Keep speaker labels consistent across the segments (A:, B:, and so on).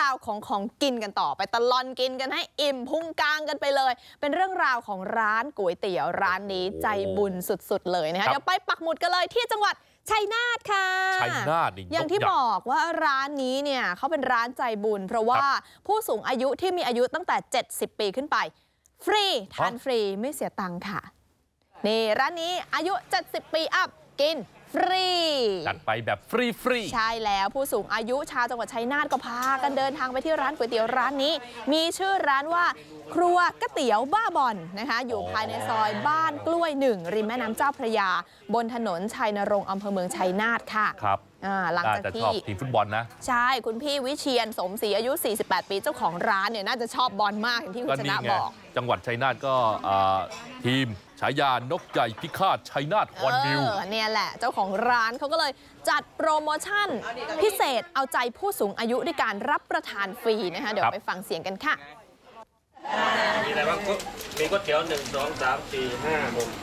A: าวของกินกันต่อไปตลอดกินกันให้อิ่มพุงกลางกันไปเลยเป็นเรื่องราวของร้านก๋วยเตี๋ยวร้านนี้ใจบุญสุดๆเลยนะคะเดี๋ยวไปปักหมุดกันเลยที่จังหวัดชัยนาทค่ะ
B: ชัยนาท
A: อย่างที่บอกว่าร้านนี้เนี่ยเขาเป็นร้านใจบุญเพราะว่าผู้สูงอายุที่มีอายุตั้งแต่70ปีขึ้นไปฟรีทานฟรีไม่เสียตังค์ค่ะนี่ร้านนี้อายุ70ปีอัพกินฟรี
B: จัดไปแบบฟรี
A: ใช่แล้วผู้สูงอายุชาวจังหวัดชัยนาทก็พากันเดินทางไปที่ร้านก๋วยเตี๋ยวร้านนี้มีชื่อร้านว่าครัวก๋วยเตี๋ยวบ้าบอนนะคะอยู่ภายในซอยบ้านกล้วย1ริมแม่น้ำเจ้าพระยาบนถนนชัยนรงค์อำเภอเมืองชัยนาทค่ะ
B: ครับ
A: หลังจากที่
B: ชอบทีมฟุตบอลนะ
A: ใช่คุณพี่วิเชียรสมศรีอายุ48ปีเจ้าของร้านเนี่ยน่าจะชอบบอลมากอย่างที่คุณชนะบอก
B: จังหวัดชัยนาทก็ทีมฉายานกใหญ่พิฆาตชัยนาทฮอนบิล
A: เนี่ยแหละเจ้าของร้านเขาก็เลยจัดโปรโมชั่นพิเศษเอาใจผู้สูงอายุด้วยการรับประทานฟรีนะคะเดี๋ยวไปฟังเสียงกันค่ะ
C: มีอะไรบ้างมีก๋วยเตี๋ยว1 2 3 4 5 6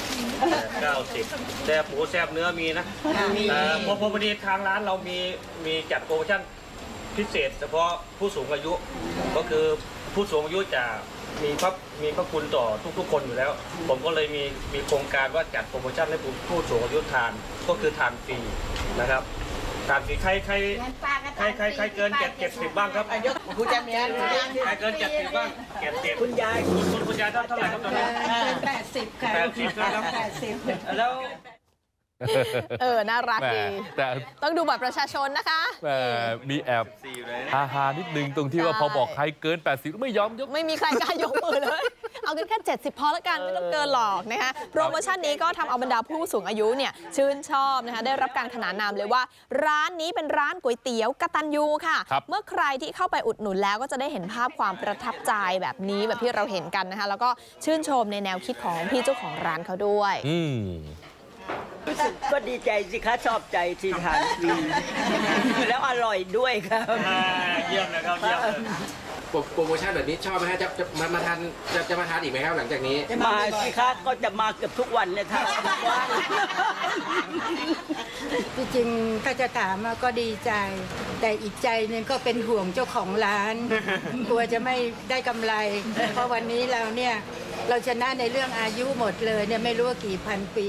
C: 7 8 9 10แซ่บหมูแซ่บเนื้อมีนะพอดีทางร้านเรามีจัดโปรโมชั่นพิเศษเฉพาะผู้สูงอายุก็คือผู้สูงอายุจะมีพระคุณต่อทุกๆคนอยู่แล้วผมก็เลยมีโครงการว่าจัดโปรโมชั่นให้ผู้สูงอายุทานก็คือทานฟรีนะครับทานฟรีใครเกิน70บ้างครับ
D: คุณจะมี
C: ใครเกิน70บ้าง70คุณยายเท่าไหร่ครับตอนนี้
D: 80ค่ะ
C: 80ครับ
D: 80
C: แล้ว
A: น่ารักดีแต่ต้องดูบัตรประชาชนนะคะ
B: มีแอบฮานิดนึงตรงที่ว่าพอบอกใครเกิน80ไม่ยอมยก
A: ไม่มีใครกล้ายกมือเลยเอากันแค่70พอแล้วกันไม่ต้องเกินหรอกนะคะโปรโมชั่นนี้ก็ทำเอาบรรดาผู้สูงอายุเนี่ยชื่นชอบนะคะได้รับการขนานนามเลยว่าร้านนี้เป็นร้านก๋วยเตี๋ยวกตัญญูค่ะเมื่อใครที่เข้าไปอุดหนุนแล้วก็จะได้เห็นภาพความประทับใจแบบนี้แบบที่เราเห็นกันนะคะแล้วก็ชื่นชมในแนวคิดของพี่เจ้าของร้านเขาด้วย
D: รู้สึกก็ดีใจสิคะชอบใจที่ทานฟรีแล้วอร่อยด้วยครับ
C: เยี่ยมเลยครับเยี่ยมเลย
E: โปรโมชั่นแบบนี้ชอบไหมฮะจะมาทานอีกไหมครับหลังจากนี้
D: มาสิคะก็จะมาเกือบทุกวันเลยค่ะ
F: จริงๆถ้าจะถามก็ดีใจแต่อีกใจนึงก็เป็นห่วงเจ้าของร้านกลัวจะไม่ได้กำไรเพราะวันนี้เราชนะในเรื่องอายุหมดเลยเนี่ยไม่รู้ว่ากี่พันปี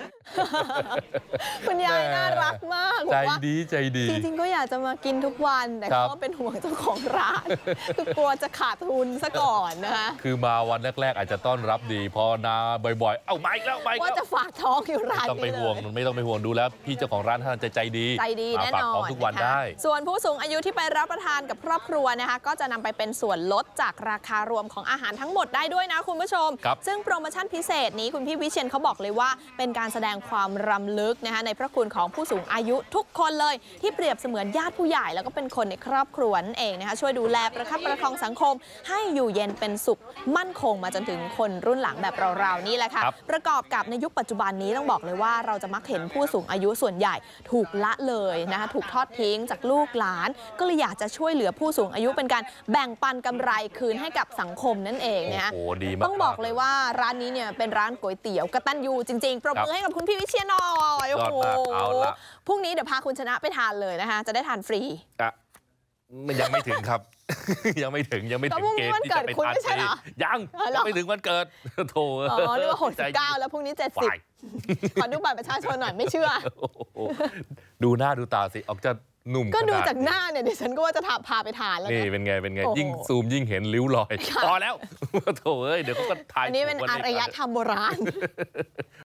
A: คุณยายน่ารักมาก
B: ใจดี
A: จริงๆก็อยากจะมากินทุกวันแต่ก็เป็นห่วงเจ้าของร้านคือกลัวจะขาดทุนซะก่อนนะคะ
B: คือมาวันแรกๆอาจจะต้อนรับดีพอนาบ่อยๆเอามาอีกแล้ว
A: ว่าจะฝากท้องอยู่ร้าน
B: ไม่ต้องไปห่วงดูแล้วพี่เจ้าของร้านท่านใจดี
A: แน่นอน
B: ฝากท้องทุกวันได้
A: ส่วนผู้สูงอายุที่ไปรับประทานกับครอบครัวนะคะก็จะนำไปเป็นส่วนลดจากราคารวมของอาหารทั้งหมดได้ด้วยนะคุณผู้ชมซึ่งโปรโมชั่นพิเศษนี้คุณพี่วิเชียรเขาบอกเลยว่าเป็นการแสดงความรำลึกนะคะในพระคุณของผู้สูงอายุทุกคนเลยที่เปรียบเสมือนญาติผู้ใหญ่แล้วก็เป็นคนในครอบครัวนั่นเองนะคะช่วยดูแลประคับประคองสังคมให้อยู่เย็นเป็นสุขมั่นคงมาจนถึงคนรุ่นหลังแบบเราๆนี่แหละค่ะประกอบกับในยุคปัจจุบันนี้ต้องบอกเลยว่าเราจะมักเห็นผู้สูงอายุส่วนใหญ่ถูกละเลยนะคะถูกทอดทิ้งจากลูกหลานก็เลยอยากจะช่วยเหลือผู้สูงอายุเป็นการแบ่งปันกำไรคืนให้กับสังคมนั่นเองนะคะต้องบอกเลยว่าร้านนี้เนี่ยเป็นร้านก๋วยเตี๋ยวกตัญญูจริงๆปรบมือให้กับคุณพี่วิเชียรหน่อยโอ้โหพรุ่งนี้เดี๋ยวพาคุณชนะไปทานเลยนะคะจะได้ทานฟรี
B: ยังไม่ถึงครับยังไม่ถึงเกณฑ์ที่จะไปทานฟรียังไม่ถึงวันเกิดโถ
A: เรียกว่า69แล้วพรุ่งนี้70ขอดูบัตรประชาชนหน่อยไม่เชื่อ
B: ดูหน้าดูตาสิออกจะหนุ่ม
A: ก็ดูจากหน้าเนี่ยดิฉันก็ว่าจะพาไปทานแล้ว
B: นี่เป็นไงยิ่งซูมยิ่งเห็นริ้วรอยพอแล้วโถเอ้ยเดี๋ยวเขาก็ถ่าย
A: อันนี้เป็นอารยธรรมโบราณ